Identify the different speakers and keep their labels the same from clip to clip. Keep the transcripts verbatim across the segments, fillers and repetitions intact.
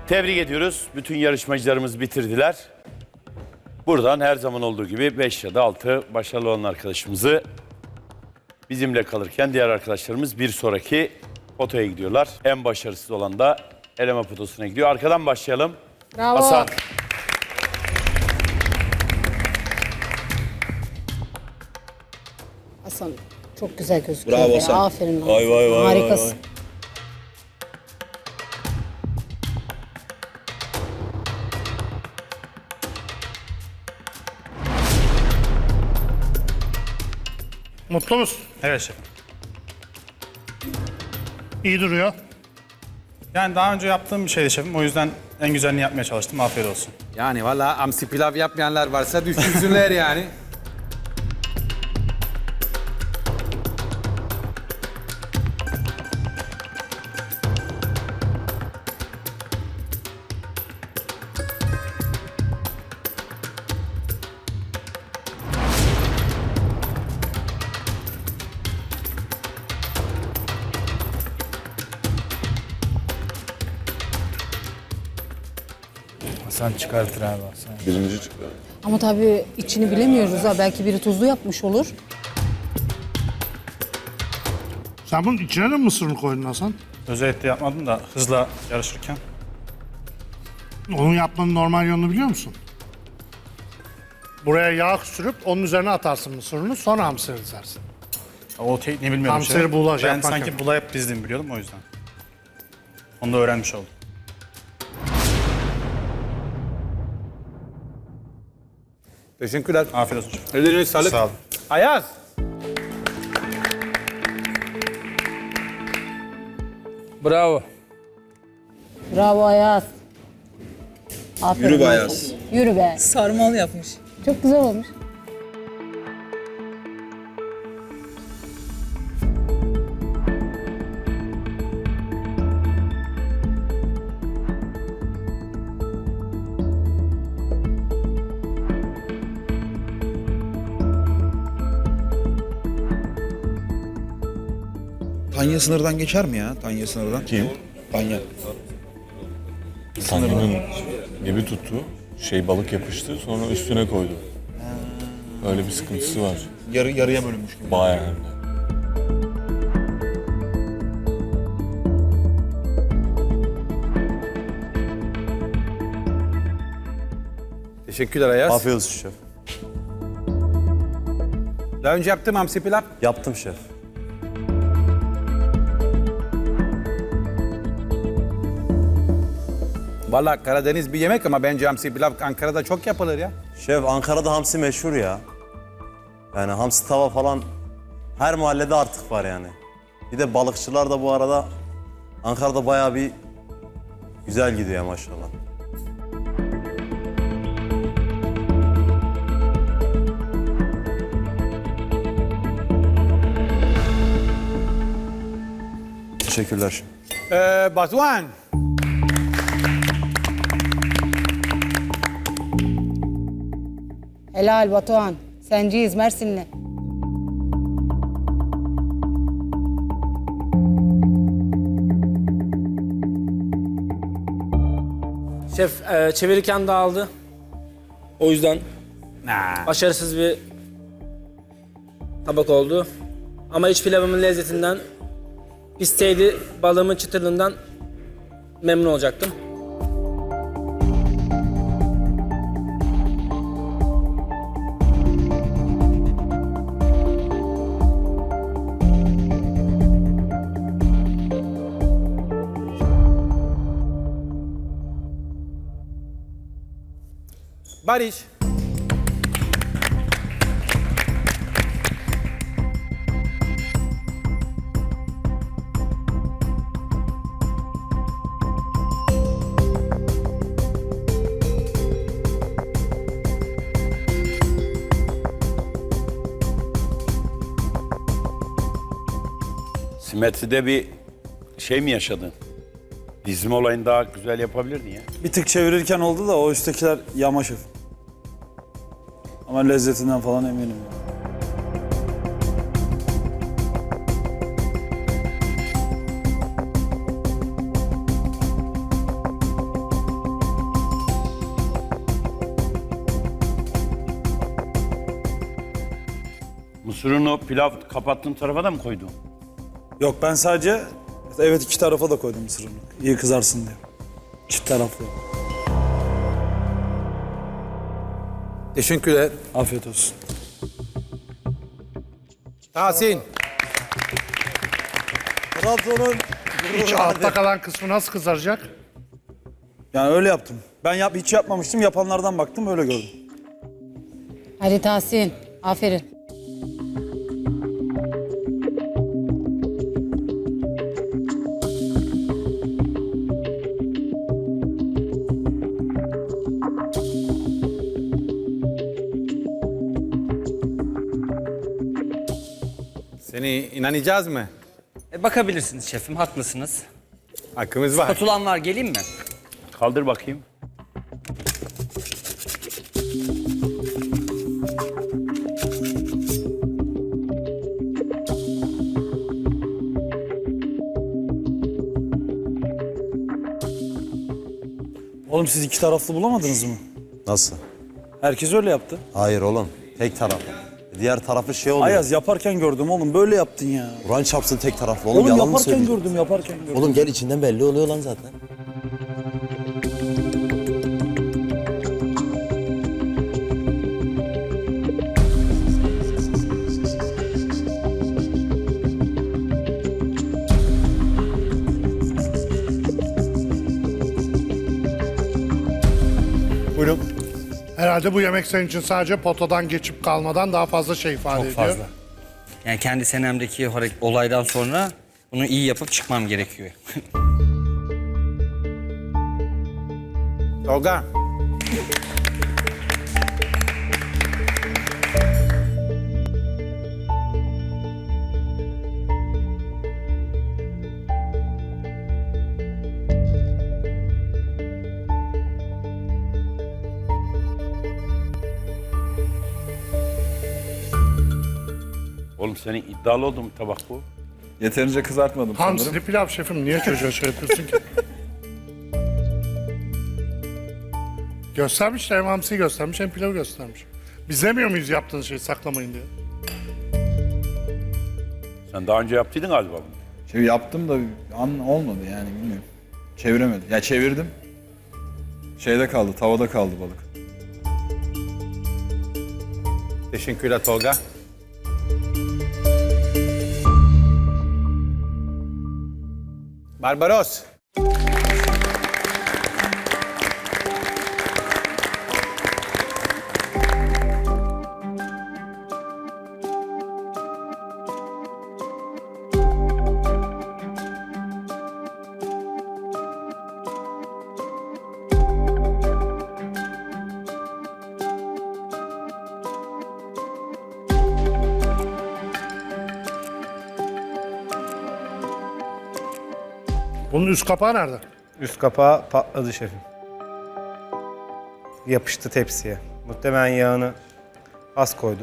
Speaker 1: Tebrik ediyoruz. Bütün yarışmacılarımız bitirdiler. Buradan her zaman olduğu gibi beş ya da altı başarılı olan arkadaşımızı bizimle kalırken diğer arkadaşlarımız bir sonraki potaya gidiyorlar. En başarısız olan da eleme potosuna gidiyor. Arkadan başlayalım.
Speaker 2: Bravo.
Speaker 1: Hasan.
Speaker 2: Hasan çok güzel gözüküyor.
Speaker 3: Bravo
Speaker 2: be.
Speaker 3: Hasan.
Speaker 2: Aferin.
Speaker 3: Vay,
Speaker 2: Hasan.
Speaker 3: vay, vay,
Speaker 2: Harikasın.
Speaker 3: vay, vay.
Speaker 4: Mutlu musun?
Speaker 5: Evet şefim.
Speaker 4: İyi duruyor.
Speaker 5: Yani daha önce yaptığım bir şeydi şefim. O yüzden en güzelini yapmaya çalıştım. Afiyet olsun.
Speaker 6: Yani valla hamsi pilav yapmayanlar varsa düşünsünler yani.
Speaker 7: Hasan çıkartır abi Hasan.
Speaker 3: Birinci çıktı.
Speaker 2: Ama tabii içini bilemiyoruz ha. Belki biri tuzlu yapmış olur.
Speaker 4: Sen bunun içine de mi mısırını koydun Hasan?
Speaker 5: Özellikle yapmadım da hızla yarışırken.
Speaker 4: Onun yapmanın normal yolunu biliyor musun? Buraya yağ sürüp onun üzerine atarsın mısırını, sonra hamsiri dizersin.
Speaker 5: O tekniği bilmiyordum.
Speaker 4: Hamsiri
Speaker 5: şefim.
Speaker 4: buğulaj
Speaker 5: Ben
Speaker 4: yapmak
Speaker 5: sanki
Speaker 4: yok.
Speaker 5: bulayıp dizdiğimi biliyordum o yüzden. Onu da öğrenmiş oldum.
Speaker 6: Teşekkürler.
Speaker 5: Afiyet olsun şefim.
Speaker 6: Ellerine sağlık.
Speaker 5: Sağ olun.
Speaker 6: Ayaz.
Speaker 7: Bravo.
Speaker 2: Bravo Ayaz. Aferin.
Speaker 3: Yürü be
Speaker 2: Hasan.
Speaker 3: Ayaz.
Speaker 2: Yürü be.
Speaker 8: Sarmal yapmış.
Speaker 2: Çok güzel olmuş.
Speaker 3: Tanya sınırdan geçer mi ya? Tanya sınırdan. Kim? Tanya.
Speaker 9: Tanya'nın gibi tuttu. Şey balık yapıştı sonra üstüne koydu. Öyle bir sıkıntısı var.
Speaker 3: Yarı yarıya bölünmüş gibi.
Speaker 9: Bayağı hem de.
Speaker 6: Teşekkürler Ayaz.
Speaker 10: Afiyet olsun şef.
Speaker 6: Daha önce yaptım hamsi pilav.
Speaker 10: Yaptım şef.
Speaker 6: Valla Karadeniz bir yemek ama bence hamsi pilav Ankara'da çok yapılır ya.
Speaker 10: Şef Ankara'da hamsi meşhur ya. Yani hamsi tava falan her mahallede artık var yani. Bir de balıkçılar da bu arada Ankara'da bayağı bir güzel gidiyor maşallah. Teşekkürler şef.
Speaker 6: Ee, Batuhan.
Speaker 2: Helal Batuhan. Senciyiz Mersinli.
Speaker 7: Şef e, çevirirken dağıldı. O yüzden
Speaker 6: Nah.
Speaker 7: başarısız bir tabak oldu. Ama iç pilavımın lezzetinden, pisteyli balığımın çıtırlığından memnun olacaktım.
Speaker 6: Barış.
Speaker 1: Simetride bir şey mi yaşadın? Dizme olayını daha güzel yapabilirdin ya.
Speaker 11: Bir tık çevirirken oldu da o üsttekiler yama şef. Ama lezzetinden falan eminim.
Speaker 1: Mısır unu pilav kapattığın tarafa da mı koydun?
Speaker 11: Yok ben sadece evet iki tarafa da koydum mısır unu. İyi kızarsın diye. Çift taraflı.
Speaker 6: Teşekkürler.
Speaker 11: Afiyet olsun.
Speaker 6: Tahsin.
Speaker 10: Trabzon'un
Speaker 4: İç altta kalan kısmı nasıl kızaracak?
Speaker 11: Yani öyle yaptım. Ben yap hiç yapmamıştım. Yapanlardan baktım öyle gördüm.
Speaker 2: Hadi Tahsin. Aferin.
Speaker 6: Seni inanacağız mı?
Speaker 8: E, bakabilirsiniz şefim, haklısınız.
Speaker 6: Hakkımız var.
Speaker 8: Spatulam var, geleyim mi?
Speaker 1: Kaldır bakayım.
Speaker 11: Oğlum siz iki taraflı bulamadınız mı?
Speaker 10: Nasıl?
Speaker 11: Herkes öyle yaptı.
Speaker 10: Hayır oğlum. Tek taraf. Diğer tarafı şey oluyor.
Speaker 11: Ayaz yaparken gördüm oğlum. Böyle yaptın ya.
Speaker 10: Kur'an çapsın tek taraflı. Oğlum,
Speaker 11: Oğlum
Speaker 10: yalan mı
Speaker 11: yaparken
Speaker 10: söylüyorsun?
Speaker 11: gördüm, yaparken gördüm.
Speaker 10: Oğlum gel içinden belli oluyor lan zaten.
Speaker 1: Buyurun.
Speaker 4: Herhalde bu yemek senin için sadece potadan geçip kalmadan daha fazla şey ifade
Speaker 8: Çok
Speaker 4: ediyor.
Speaker 8: fazla. Yani kendi senemdeki hare- olaydan sonra bunu iyi yapıp çıkmam gerekiyor.
Speaker 6: Tolga.
Speaker 1: Oğlum senin iddialı olduğun bir tabak bu.
Speaker 9: Yeterince kızartmadım sanırım.
Speaker 4: Hamsili pilav şefim. Niye çocuğa şey yapıyorsun ki? Göstermiş de hem hamsiyi göstermiş hem pilavı göstermiş. Biz demiyor muyuz yaptığınız şeyi saklamayın diye?
Speaker 1: Sen daha önce yaptıydın galiba bunu.
Speaker 3: Şey yaptım da an olmadı yani bilmiyorum. Çeviremedim. Ya çevirdim.
Speaker 9: Şeyde kaldı, tavada kaldı balık.
Speaker 6: Teşekkürler Tolga. Barbaros.
Speaker 4: Bunun üst kapağı nerede?
Speaker 5: Üst kapağı patladı şefim. Yapıştı tepsiye. Muhtemelen yağını az koydum.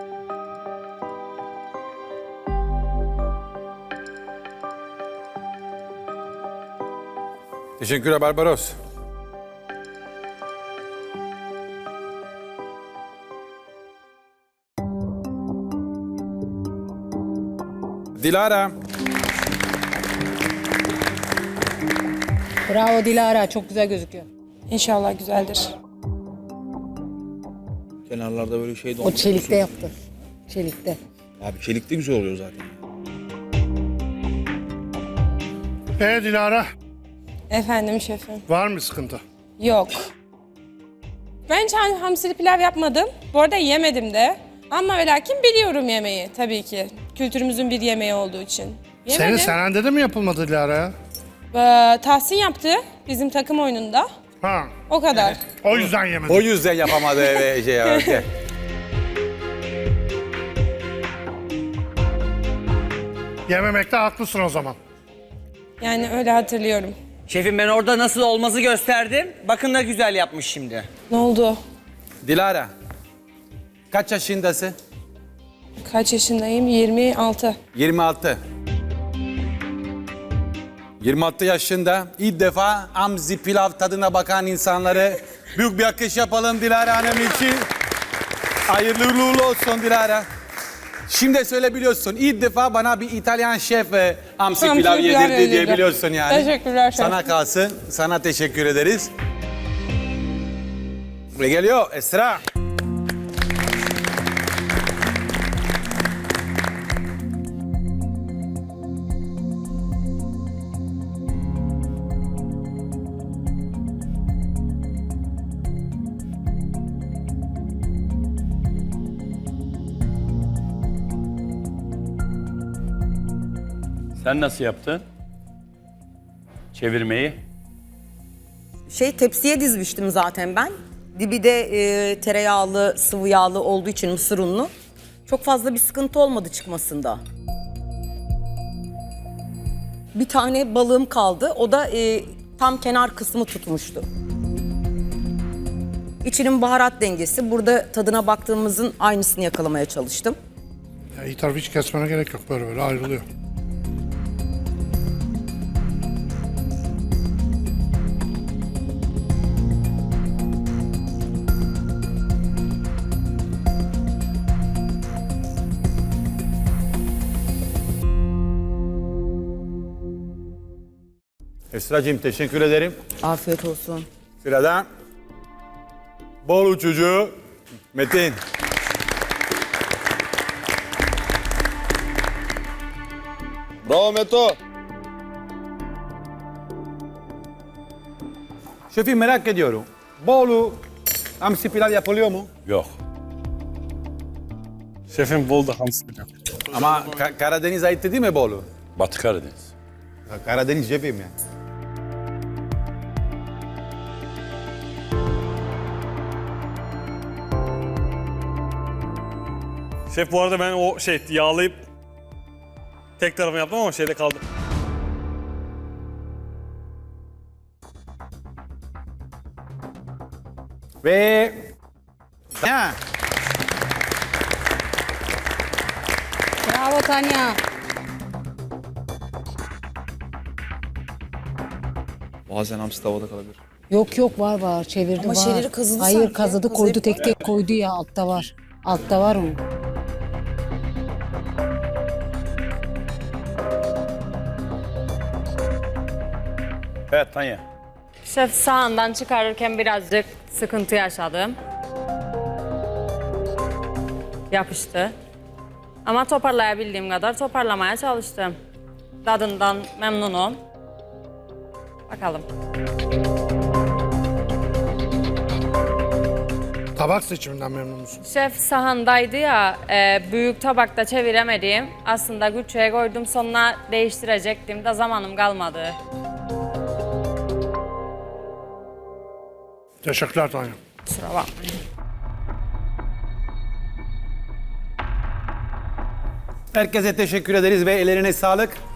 Speaker 6: Teşekkürler Barbaros. Dilara.
Speaker 2: Bravo Dilara. Çok güzel gözüküyor.
Speaker 12: İnşallah güzeldir.
Speaker 3: Kenarlarda böyle şey de
Speaker 2: O çelikte yaptı. Çelikte.
Speaker 3: Abi çelik de güzel oluyor zaten.
Speaker 4: Ee Dilara,
Speaker 12: Efendim şefim.
Speaker 4: var mı sıkıntı?
Speaker 12: Yok. Ben hiç ham- hamsili pilav yapmadım. Bu arada yemedim de. Ama ve lakin biliyorum yemeği tabii ki. Kültürümüzün bir yemeği olduğu için.
Speaker 4: Senin
Speaker 12: Yemedim.
Speaker 4: senende de mi yapılmadı Dilara ya?
Speaker 12: Ee, Tahsin yaptı bizim takım oyununda.
Speaker 4: Ha,
Speaker 12: O kadar.
Speaker 4: o yüzden yemedim.
Speaker 6: O yüzden yapamadı ve şey yaptı.
Speaker 4: Yememekte haklısın o zaman.
Speaker 12: Yani öyle hatırlıyorum.
Speaker 8: Şefim ben orada nasıl olmazı gösterdim. Bakın da güzel yapmış şimdi.
Speaker 12: Ne oldu?
Speaker 6: Dilara. Kaç yaşındasın?
Speaker 12: Kaç yaşındayım? yirmi altı.
Speaker 6: yirmi altı. yirmi altı yaşında ilk defa hamsi pilav tadına bakan insanları büyük bir alkış yapalım Dilara Hanım için. Hayırlı uğurlu olsun Dilara. Şimdi söyleyebiliyorsun. İlk defa bana bir İtalyan şef e, hamsi
Speaker 12: Hamsi
Speaker 6: pilav
Speaker 12: pilav
Speaker 6: yedirdi
Speaker 12: yedirdi.
Speaker 6: diyebiliyorsun yani.
Speaker 12: Teşekkürler şef.
Speaker 6: Sana kalsın. Sana teşekkür ederiz. Ve geliyor Esra.
Speaker 1: Sen nasıl yaptın? Çevirmeyi.
Speaker 13: Şey tepsiye dizmiştim zaten ben. Dibi de e, tereyağlı, sıvı yağlı olduğu için mısır unlu. Çok fazla bir sıkıntı olmadı çıkmasında. Bir tane balığım kaldı. O da e, tam kenar kısmı tutmuştu. İçinin baharat dengesi. Burada tadına baktığımızın aynısını yakalamaya çalıştım.
Speaker 4: Ya iyi tarafı hiç kesmene gerek yok, böyle böyle ayrılıyor.
Speaker 6: Esra'cığım teşekkür ederim.
Speaker 13: Afiyet olsun.
Speaker 6: Sırada Bolu çocuğu Metin.
Speaker 9: Bravo Meto.
Speaker 6: Şefim merak ediyorum. Bolu hamsi pilav yapılıyor mu?
Speaker 1: Yok.
Speaker 5: Şefim Bolu'da hamsi pilav.
Speaker 6: Ama Ka- Karadeniz ait değil mi Bolu?
Speaker 1: Batı Karadeniz.
Speaker 6: Karadeniz şefim yani.
Speaker 5: Şef bu arada ben o şey yağlayıp tek tarafını yaptım ama şeyde kaldı.
Speaker 6: Ve... Ha.
Speaker 2: Bravo Tanya.
Speaker 3: Bazen hamsi tavada kalabilir.
Speaker 2: Yok yok var var çevirdi
Speaker 13: Ama
Speaker 2: var.
Speaker 13: şeyleri kazıdı
Speaker 2: Hayır
Speaker 13: sanki.
Speaker 2: kazıdı
Speaker 13: Kazıyıp-
Speaker 2: koydu tek tek koydu ya altta var. Altta var onun.
Speaker 1: Evet Tanya.
Speaker 12: Şef sağından çıkarırken birazcık sıkıntı yaşadım. Yapıştı. Ama toparlayabildiğim kadar toparlamaya çalıştım. Tadından memnunum. Bakalım.
Speaker 4: Tabak seçiminden memnun musun?
Speaker 12: Şef sahandaydı ya, e, büyük tabakta çeviremedim. Aslında güçeye koydum, sonuna değiştirecektim de zamanım kalmadı.
Speaker 4: Teşekkürler Tanya.
Speaker 12: Kusura bakmayın.
Speaker 6: Herkese teşekkür ederiz ve ellerine sağlık.